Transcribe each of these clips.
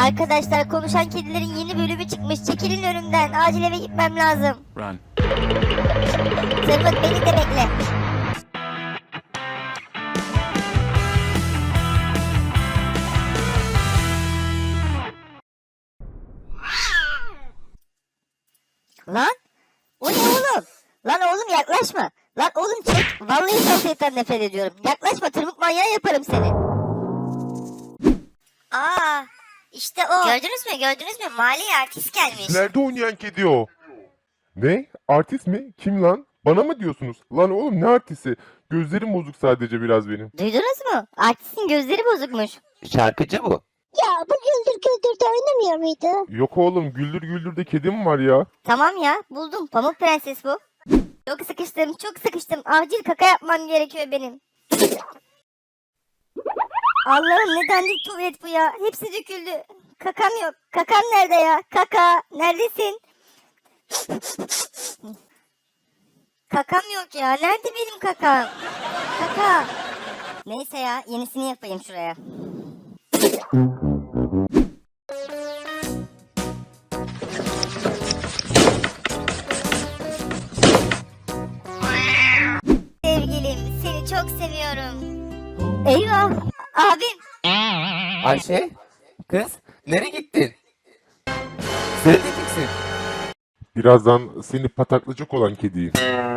Arkadaşlar konuşan kedilerin yeni bölümü çıkmış. Çekilin önümden. Acil eve gitmem lazım. Run. Zırmık beni de bekle. Lan? O ne oğlum? Lan oğlum yaklaşma. Lan oğlum çek. Vallahi sosyetten nefret ediyorum. Yaklaşma, tırmık manyağı yaparım seni. Aa, işte o. Gördünüz mü? Mahalleye artist gelmiş. Nerede oynayan kedi o? Ne? Artist mi? Kim lan? Bana mı diyorsunuz? Lan oğlum ne artisti? Gözlerim bozuk sadece biraz benim. Duydunuz mu? Artistin gözleri bozukmuş. Şarkıcı bu. Ya bu Güldür Güldür'de oynamıyor muydu? Yok oğlum, Güldür Güldür'de kedi mi var ya? Tamam ya, buldum. Pamuk Prenses bu. Çok sıkıştım. Acil kaka yapmam gerekiyor benim. Allah'ım ne dandik tuvalet bu ya. Hepsi döküldü. Kakam yok. Kakam nerede ya? Kaka neredesin? Kakam yok ya. Nerede benim kakam? Kaka. Neyse ya, yenisini yapayım şuraya. Sevgilim, seni çok seviyorum. Eyvah, abim. Ayşe, kız nereye gittin? Neredeyeceksin? Birazdan seni pataklayacak olan kediyim.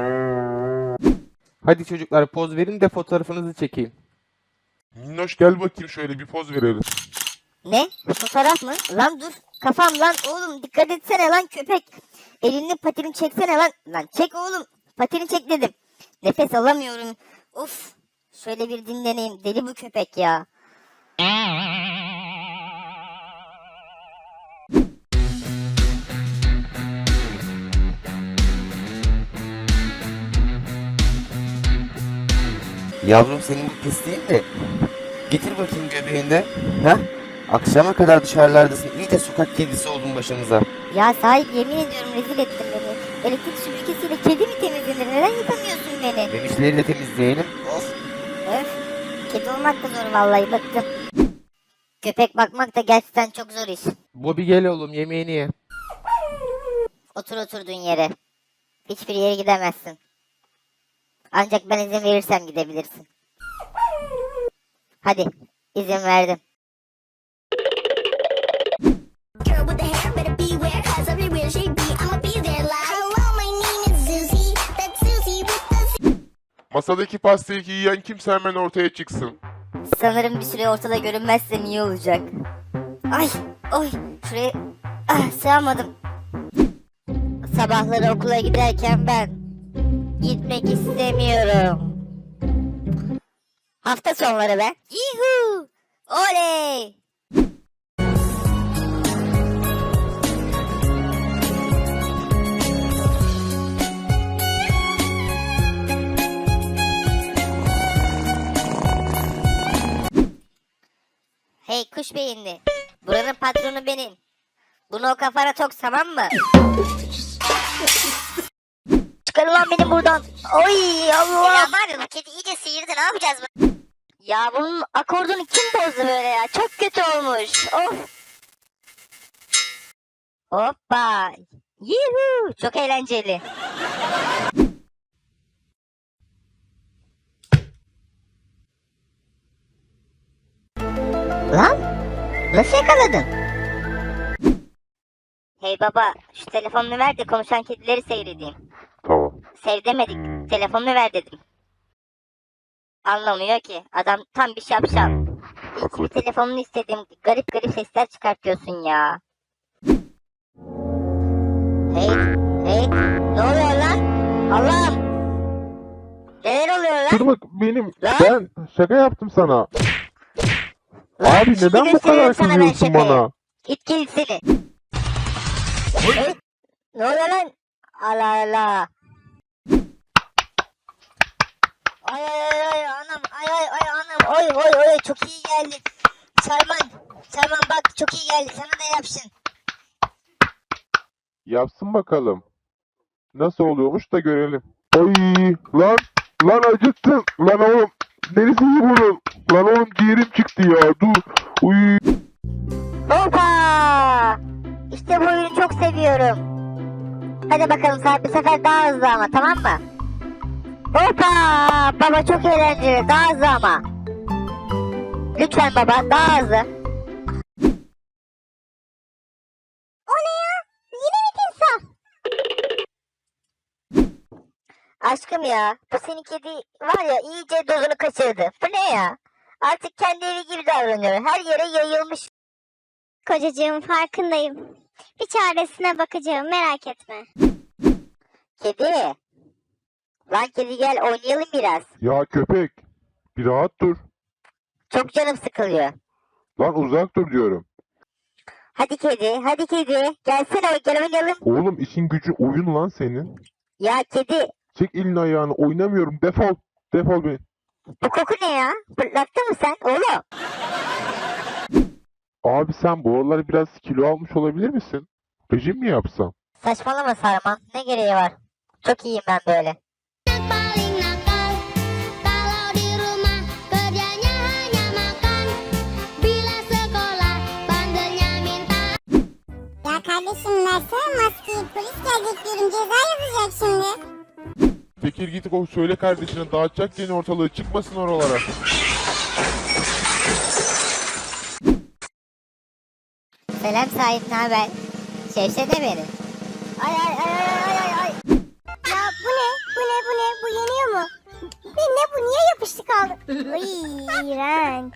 Hadi çocuklar poz verin de fotoğrafınızı çekeyim. Minnoş gel bakayım, şöyle bir poz verelim. Ne? Fotoğraf mı? Lan dur. Kafam lan oğlum, dikkat etsene lan köpek. Elini patini çeksene lan. Lan çek oğlum. Patini çek dedim. Nefes alamıyorum. Of. Şöyle bir dinleneyim. Deli bu köpek ya. Yavrum senin bu pis değil de. Getir bakayım göbeğinde. Ha? Akşama kadar dışarılardasın. İyice sokak kedisi oldun başımıza. Ya sahip, yemin ediyorum rezil ettin beni. Elektrik süpürgesiyle kedi mi temizlenir? Neden yıkamıyorsun beni? Memişleri de temizleyelim. Of. Öf. Kedi olmak da zor vallahi, bıktım. Köpek bakmak da gerçekten çok zor iş. Bobby gel oğlum yemeğini ye. Otur oturduğun yere. Hiçbir yere gidemezsin. Ancak ben izin verirsem gidebilirsin. Hadi, izin verdim. Girl with the hair better beware, cause every real she be, I'ma be there like hello, my name is Susie, that's Susie with the Masadaki pastayı yiyen kimse hemen ortaya çıksın. Sanırım bir süre ortada görünmezsem iyi olacak. Ay, oy, şuraya sığamadım. Sabahları okula giderken ben gitmek istemiyorum. Hafta sonları ben. Yuhu! Oley! Hey kuş beyinli. Buranın patronu benim. Bunu o kafana tok, tamam mı? Çıkar ulan beni buradan. Oy Allah. Ya var ya, kedi iyice sıyırdı, ne yapacağız bu? Ya bunun akordunu kim bozdu böyle ya? Çok kötü olmuş. Of. Hoppa. Yuhu. Çok eğlenceli. Lan? Nasıl yakaladın? Hey baba, şu telefonunu ver de konuşan kedileri seyredeyim. Tamam. Sev demedik, telefonunu ver dedim. Anlamıyor ki, adam tam bir şapşal. Haklı. Telefonunu istedim, garip garip sesler çıkartıyorsun ya. Hey, hey, ne oluyor lan? Allah'ım! Neler oluyor lan? Tırmık benim. Lan? Ben şaka yaptım sana. Lan, Abi şimdi neden bu gösteriyorum kadar sana ben kızıyorsun şakayı. bana? İt gel seni. Hey, ne oluyor lan? Allah Allah. Ay ay ay anam, ay anam, oy çok iyi geldi. Sarman bak çok iyi geldi, sana da yapsın. Yapsın bakalım. Nasıl oluyormuş da görelim. Ay lan acıttın. Lan oğlum. Neresi iyi bunun? Lan oğlum ciğerim çıktı ya. Dur. Uy. Hoppa! ediyorum. Hadi bakalım Sarp, bu sefer daha hızlı ama, tamam mı? Hoppa! Baba çok eğlenceli. Daha hızlı ama. Lütfen baba, daha hızlı. O ne ya? Yine mi timsah? Aşkım ya, bu senin kedi var ya, iyice dozunu kaçırdı. Bu ne ya? Artık kendi evi gibi davranıyor. Her yere yayılmış. Kocacığım, farkındayım. Bir çaresine bakacağım, merak etme. Kedi. Lan kedi, gel oynayalım biraz. Ya köpek, bir rahat dur. Çok canım sıkılıyor. Lan uzak dur diyorum. Hadi kedi, hadi kedi. Gelsene, gel oynayalım. Oğlum işin gücü oyun lan senin. Ya kedi, Çek elini ayağını, oynamıyorum, defol. Defol be. bu koku ne ya? Fırlattın mı sen oğlum? Abi sen bu aralar biraz kilo almış olabilir misin? Rejim mi yapsam? Saçmalama Sarman, ne gereği var? Çok iyiyim ben böyle. Paling nakal kalau di rumah kerjanya hanya makan. Bila sekolah bandelnya minta. Ya kardeşim, versene maskeyi. Polis gelecek diyorum, ceza yazacak şimdi. Tekir git o söyle kardeşine dağıtacak yine ortalığı, çıkmasın oralara. Selam Sait, ne haber? Sevsene beni. Ay ay ay ay ay ay. Ya bu ne? Bu ne? Bu ne? Bu yeniyor mu? Ne bu? Niye yapıştı kaldı? Ay, iğrenç.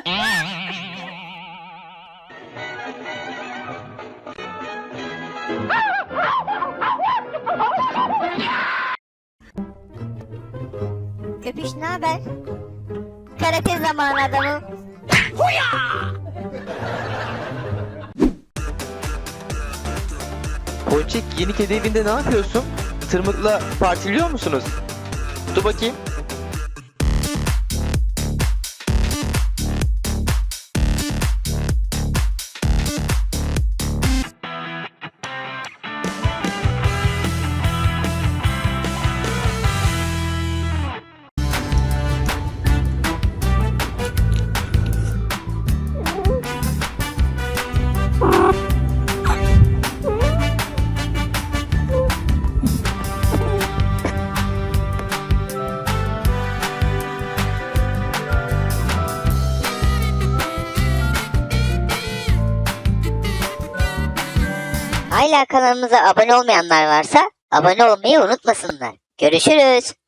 Köpüş, ne haber? Karate zamanı adamım. Ponçik, yeni kedi evinde ne yapıyorsun? Tırmıkla partiliyor musunuz? Dur bakayım. Hala kanalımıza abone olmayanlar varsa abone olmayı unutmasınlar. Görüşürüz.